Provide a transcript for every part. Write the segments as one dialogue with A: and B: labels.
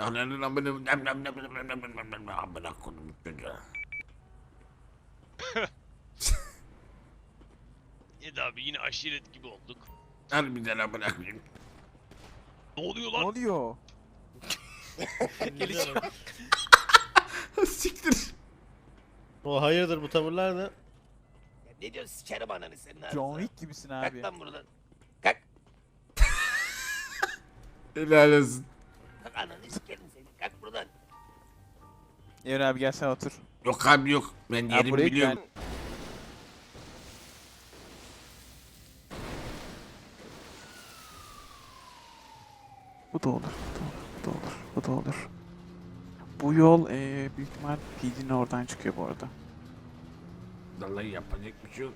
A: Ananın amına koydum çocuğa.
B: Eda abi yine aşiret gibi olduk.
A: Harbiden amına koyayım.
B: Ne oluyor
C: Ne
B: lan?
C: oluyor?
A: Siktir.
D: O hayırdır bu tavırlar ne?
E: Ya ne diyorsun sikerim ananı senin ağzına.
C: John Wick gibisin
E: Kalk
C: abi.
E: lan buradan. Kalk.
A: Helal olsun.
E: Kalk ananı sikerim seni. Kalk buradan.
C: Evren abi gel sen otur.
A: Yok abi yok. Ben
C: Ya
A: yerimi
C: buraya
A: biliyorum.
C: gel. Bu da olur, bu da olur, bu da olur, bu da olur. Bu yol büyük ihtimal PD'nin oradan çıkıyor bu arada.
A: Vallahi yapacak bir şey yok.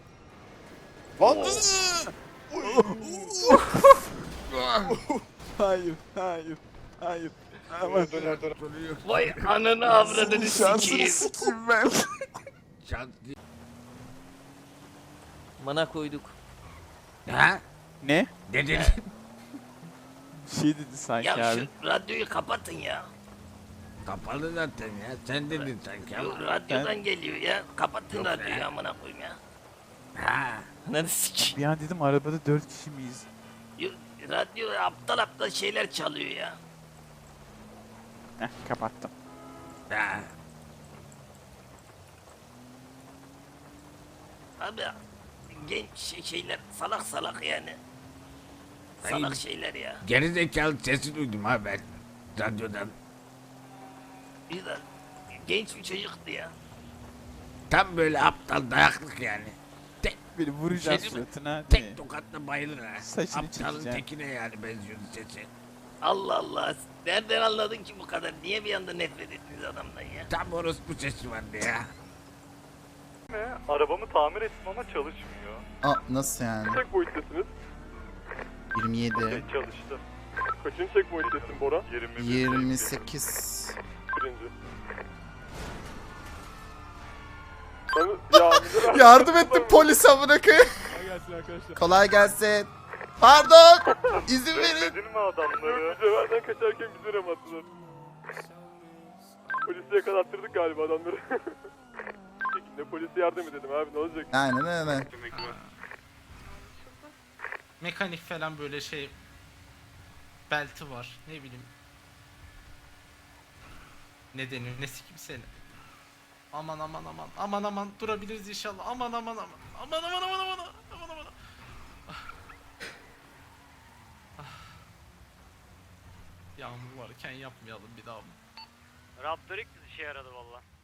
C: Hayır, hayır, hayır. Aman.
E: Vay ananı avradını
C: Şansını
E: sikeyim.
C: sikeyim ben.
A: Şans değil.
E: Mana koyduk.
A: Ha?
C: Ne?
A: Ne dedin?
C: Şey dedi sanki
E: Ya
C: abi.
E: şu radyoyu kapatın ya.
A: Kapalı zaten ya. Sen dedin sanki
E: Yo,
A: ama.
E: radyodan geliyor ya. Kapatın
A: Yok
E: radyoyu
A: ya.
E: amına koyayım ya.
A: Ha.
E: Ananı sikeyim.
C: Bir an dedim arabada 4 kişi miyiz?
E: Yo, radyo aptal aptal şeyler çalıyor ya.
C: Heh kapattım.
A: Ha.
E: Abi genç şeyler salak salak yani. Salak
A: Hayır.
E: şeyler ya.
A: Geri zekalı sesi duydum ha ben. Radyodan.
E: Bir de genç bir çocuktu ya.
A: Tam böyle aptal dayaklık yani. Tek,
C: Beni vuracağız
A: Şey değil mi?
C: suratına.
A: tek tokatla bayılır ha.
C: Saçını
A: Aptalın
C: çekeceğim.
A: tekine yani benziyordu sesi.
E: Allah Allah. Nereden anladın ki bu kadar? Niye bir anda nefret ettiniz adamdan ya?
A: Tam orospu sesi vardı ya.
F: Arabamı tamir ettim ama çalışmıyor.
G: Nasıl yani?
F: Checkpoint'tesiniz.
G: 27,
F: Çalıştı. Kaçıncı checkpoint'tesin Bora?
G: 28.
F: Birinci. Ya müdür
G: Yardım ettim polis amına koyayım.
F: gelsin arkadaşlar.
G: Kolay gelsin. Pardon. İzin verin.
F: Bekledin mi adamları? Mücevherden kaçarken bizi ramattılar. Polisi yakalattırdık galiba adamları. Şekilde polise yardım edelim abi ne olacak?
G: Aynen öyle.
H: Mekanik falan böyle şey belti var ne bileyim ne deniyor ne sikim seni aman aman aman aman aman durabiliriz inşallah aman aman aman aman aman aman aman aman aman Ah. Ah. Yağmur varken yapmayalım bir daha mı?
B: Raptor ilk işe yaradı valla.